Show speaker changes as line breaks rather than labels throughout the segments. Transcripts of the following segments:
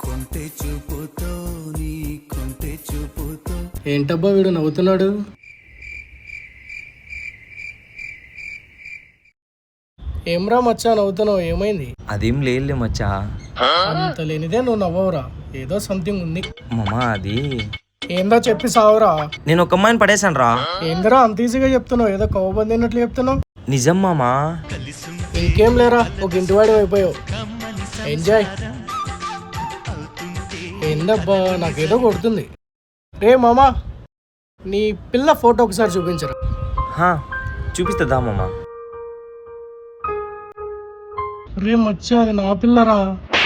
ఏంటబ్బా వీడు నవ్వుతున్నాడు? ఏమ్రా మచ్చా నవ్వుతున్నావు, ఏమైంది?
అదేం లేదు మచ్చా.
అంత లేనిదే నువ్వు నవ్వవురా, ఏదో సంథింగ్ ఉంది.
మామా అది
ఏందో చెప్పి సావురా.
నేను ఒక అమ్మాయిని పడేశాను రా.
ఏందిరా అంత ఈజీగా చెప్తున్నావు, ఏదో కవ్వబంది అన్నట్లు చెప్తున్నావు.
నిజం మామా.
ఇంకేం లేరా, ఒక ఇంటివాడి అయిపోయావు. ఎంజాయ్. ఏందబ్బా నాకేదో కొడుతుంది. రే మామా, నీ పిల్ల ఫోటో ఒకసారి చూపించరా.
చూపిస్తుందా మామా?
రే మచ్చా, అది నా పిల్లరా.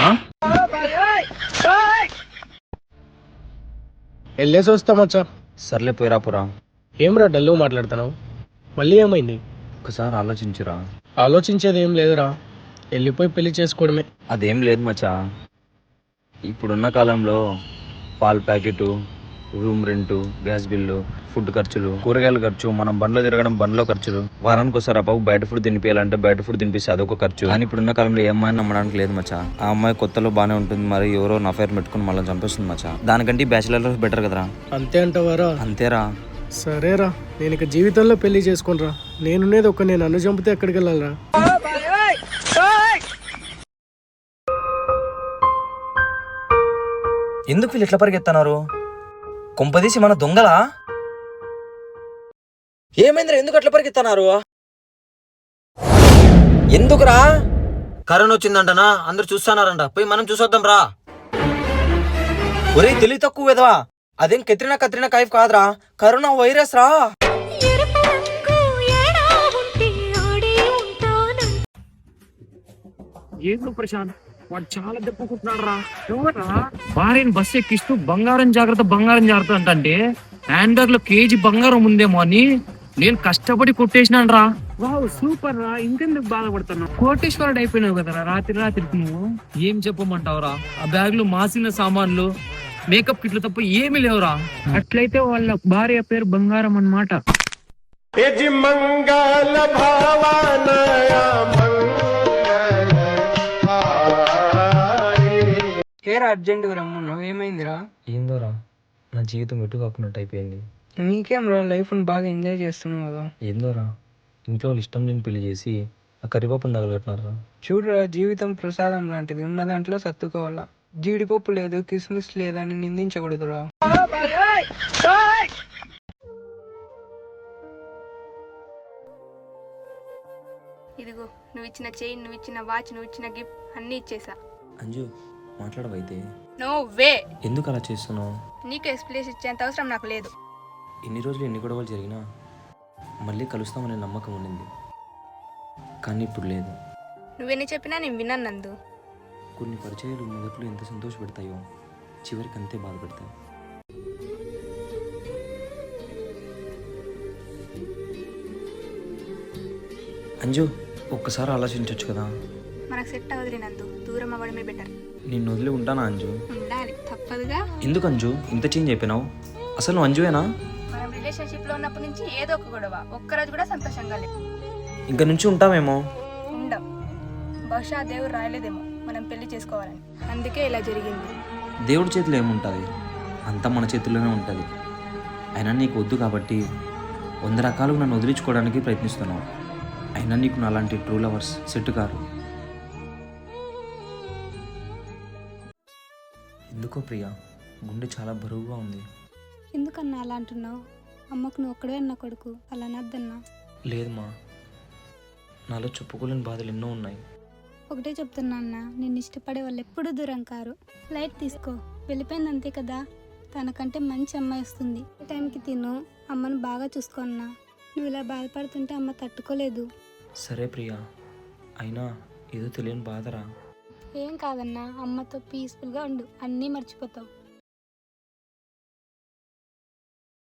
వెళ్ళేసి వస్తా మచ్చా.
సర్లే పోయిరా పోరా.
ఏమ్రా డల్లు మాట్లాడుతున్నావు, మళ్ళీ ఏమైంది?
ఒకసారి ఆలోచించురా.
ఆలోచించేది ఏం లేదురా, వెళ్ళిపోయి పెళ్లి చేసుకోవడమే.
అదేం లేదు మచ్చా. ఇప్పుడున్న కాలంలో పాల packet, room rent, gas bill, food ఖర్చులు, కూరగాయల ఖర్చు, మనం బండ్లో తిరగడం బండ్లో ఖర్చులు, వారానికి ఒకసారి అబ్బాయి బయట ఫుడ్ తినిపించాలంటే బయట ఫుడ్ తినిపిస్తే అదొక ఖర్చు. కానీ ఇప్పుడున్న కాలంలో ఏ అమ్మాయిని నమ్మడానికి లేదు మచ్చా. ఆ అమ్మాయి కొత్తలో బాగానే ఉంటుంది, మరి ఎవరో అఫైర్ పెట్టుకుని మళ్ళీ చంపేస్తుంది మచ్చా. దానికంటే బ్యాచిలర్ లైఫ్ బెటర్ కదరా.
అంతే అంటావారా?
అంతేరా.
సరేరా, నేను ఇక జీవితంలో పెళ్లి చేసుకోనరా. నేనున్నది ఒక, నేను నన్ను చంపితే ఎక్కడికి వెళ్ళాలరా?
ఎందుకు వీళ్ళు ఎట్లా పరిగెత్తన్నారు? కొంపదీసి మన దొంగలా? ఏమైందిరా, ఎందుకు అట్లా పరిగెత్తన్నారు? ఎందుకురా? కరోనా వచ్చిందంటనా, అందరు చూస్తున్నారంట, పోయి మనం చూసొద్దాం రా. ఒరే తెలివి తక్కువ వెదవా, అదేం కత్రినా కైఫ్ కాదురా, కరోనా వైరస్ రా.
ఏందో ప్రశాంత్, వాడు చాలా దెబ్బకుంటున్నాడు రా. ఎవరా భార్యని బస్సు ఎక్కిస్తూ బంగారం జాగ్రత్త అంటే హ్యాండ్ బ్యాగ్ లో కేజీ బంగారం ఉందేమో అని నేను కష్టపడి కొట్టేసినాను రా. వావ్ సూపర్ రా, ఇంకెందుకు బాధపడుతున్నావు? కోటేశ్వరుడు అయిపోయినావు కదరా రాత్రికి. నువ్వు ఏం చెప్పమంటావురా? ఆ బ్యాగ్ లో మాసిన సామాన్లు, మేకప్ కిట్లు తప్ప ఏమీ లేవురా. అట్లయితే వాళ్ళ భార్య పేరు బంగారం అన్నమాట.
అర్జెంటుగా రమ్మన్నావు, ఏమైందిరా?
ఏందోరా, నా జీవితం ఎటు కాకున్నట్టు అయిపోయింది.
నీకేం రా, లైఫ్ బాగా ఎంజాయ్ చేస్తున్నావు కదా.
ఏందోరా, ఇంట్లో వాళ్ళు ఇష్టం లేని పెళ్లి చేసి ఆ కరివేపం తగలబెట్టినారా.
చూడరా, జీవితం ప్రసాదం లాంటిది, ఉన్న దాంట్లో సర్దుకోవాలా. జీడిపప్పు లేదు, కిస్మిస్ లేదని నిందించకూడదురా.
ఇదిగో, నువ్వు ఇచ్చిన చైన్, నువ్వు ఇచ్చిన వాచ్, నువ్వు ఇచ్చిన గిఫ్ట్ అన్ని ఇచ్చేసా.
అంజు మాట్లాడవైతే.
No way.
ఎందుకు అలా చేస్తున్నావు?
నీకు ఎక్స్ప్లెనేషన్ ఇచ్చేంత అవసరం నాకు లేదు.
ఇన్ని రోజులు ఎన్ని గొడవలు జరిగినా మళ్ళీ కలుస్తామనే నమ్మకం ఉండింది, కానీ ఇప్పుడు లేదు.
నువ్వెన్ని చెప్పినా నేను విన్నాను నందు.
కొన్ని పరిచయాలు మొదట్లో ఎంత సంతోషపెడతాయో చివరికి అంతే బాధపెడతాయి. అంజు ఒక్కసారి ఆలోచించవచ్చు కదా.
మనకు సెట్ అవ్వదులే నందు, దూరం అవ్వడమే బెటర్.
నిన్ను వదిలి ఉంటానా అంజు?
ఉండాలి, తప్పదుగా.
ఎందుకు అంజు ఇంత చేంజ్ అయిపోయినావు? అసలు నువ్వు అంజువేనా?
మనం రిలేషన్షిప్ లో ఉన్నప్పటి నుంచి ఏదో ఒక గొడవ, ఒక్కరోజు కూడా సంతోషంగా లేదు.
ఇంక నుంచి ఉంటామేమో.
ఉండం. బహుశా దేవుడు రాయలేదేమో మనం పెళ్లి చేసుకోవాలని, అందుకే ఇలా జరిగింది.
దేవుడి చేతిలో ఏముంటుంది, అంతా మన చేతుల్లోనే ఉంటుంది. అయినా నీకు వద్దు కాబట్టి 100 రకాలుగా నన్ను వదిలించుకోవడానికి ప్రయత్నిస్తున్నావు. అయినా నీకు నాలాంటి ట్రూ లవర్స్ సెట్ కారు. ఎందుకో ప్రియా, గుండె చాలా బరువుగా ఉంది.
ఎందుకన్నా అలా అంటున్నావు? అమ్మకు నువ్వు ఒక్కడే అన్న కొడుకు, అలా నద్దన్నా.
లేదమ్మా, నాలో చెప్పుకోలేని బాధలు ఎన్నో ఉన్నాయి.
ఒకటే చెప్తున్నా అన్న, నిన్ను ఇష్టపడే వాళ్ళు ఎప్పుడూ దూరం కారు. లైట్ తీసుకో, వెళ్ళిపోయింది అంతే కదా. తనకంటే మంచి అమ్మాయి వస్తుంది. టైంకి తిను, అమ్మను బాగా చూసుకో అన్నా. నువ్వు ఇలా బాధపడుతుంటే అమ్మ తట్టుకోలేదు.
సరే ప్రియా, అయినా ఏదో తెలియని బాధరా.
ఏం కాదన్నా, అమ్మతో పీస్ఫుల్గా ఉండు, అన్నీ మర్చిపోతావు.